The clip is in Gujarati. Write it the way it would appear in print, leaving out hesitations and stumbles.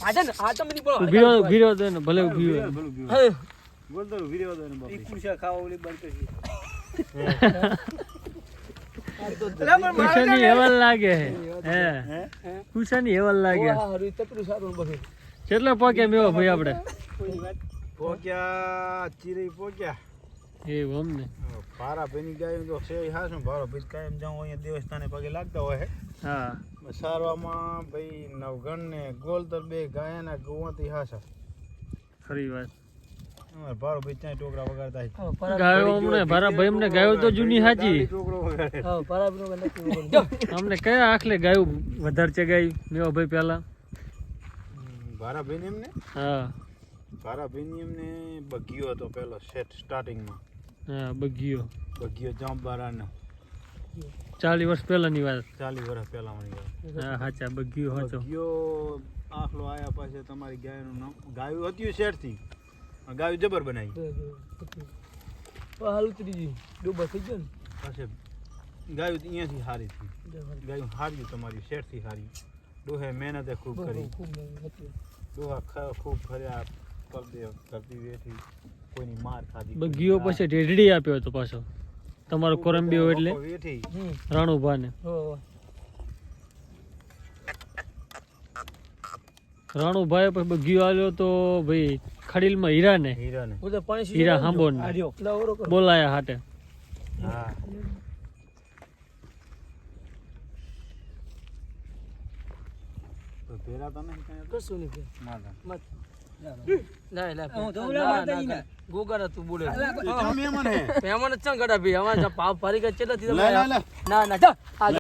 આજા ને આ તો મને બોલો ભીરો દે ને ભલે ભીરો બોલ તો વીડિયો દે ને બાપી કુશા ખાવા ઓલી બંધ કરી કુશાની હેવલ લાગે હે કુશાની હેવલ લાગે હારું તકરું સારું બગે કેટલો પોક્યા મેવો ભાઈ આપણે પોક્યા ચીરી પોક્યા એ અમને પારા ભેની ગાય તો છે હાશું ભારો ભીજ કાયમ જાઉં અહીંયા દેવસ્થાને પગે લાગતા હોય હા સારવામાં ભાઈ નવગણ ને ગોલતર બે ગાયના ગોવાથી હાસા ખરી વાત અમાર ભારો ભીજ ત્યાં ટોકરા વગાડતા ગાયો અમને ભારા ભાઈ અમને ગાયો તો જૂની હાજી ટોકરો વગાડે હા પરાબનો નથી અમને કયા આખલે ગાયું વધારે ચગાઈ મેવો ભાઈ પહેલા ભારા ભેની એમને હા ભારા ભેની એમને બગીયો હતો પેલો સેટ સ્ટાર્ટિંગમાં હા બગીયો જામબારાનો 40 વર્ષ પહેલાની વાત 40 વર્ષ પહેલાની વાત હા હાચા બગીયો હાચો બગીયો આખલો આયા પાસે તમારી ગાયનું નામ ગાયું હતું શેરથી ગાયું જબર બનાવી હાલ ઉતરી ગઈ ડૂબા થઈ ગયો ને પાસે ગાયું અહીંયાથી હારી હતી ગાયું હાર્યું તમારી શેરથી હારી ડોહે મહેનતે ખૂબ કરી ડોહા ખૂબ ફર્યા કરતી વેઠી કોઈની માર ખાધી બગીયો પછી ઢેઢડી આપ્યો હતો પાછો તમારો કોરંબીઓ એટલે વેઠી રાણુભા ને રાણુભાઈ પછી બગીયો આવ્યો તો ભાઈ ખડીલમાં હીરાને હીરા હાંબો ને બોલાયા હાટે હા તો પેરા તને કશું નહીં માતા ગોગા તું બોલે મહેમાન હે મહેમાન ચંગ ગડા ભાઈ અમાર પાપ ફરી ગયા ચેલા લે લે લે ના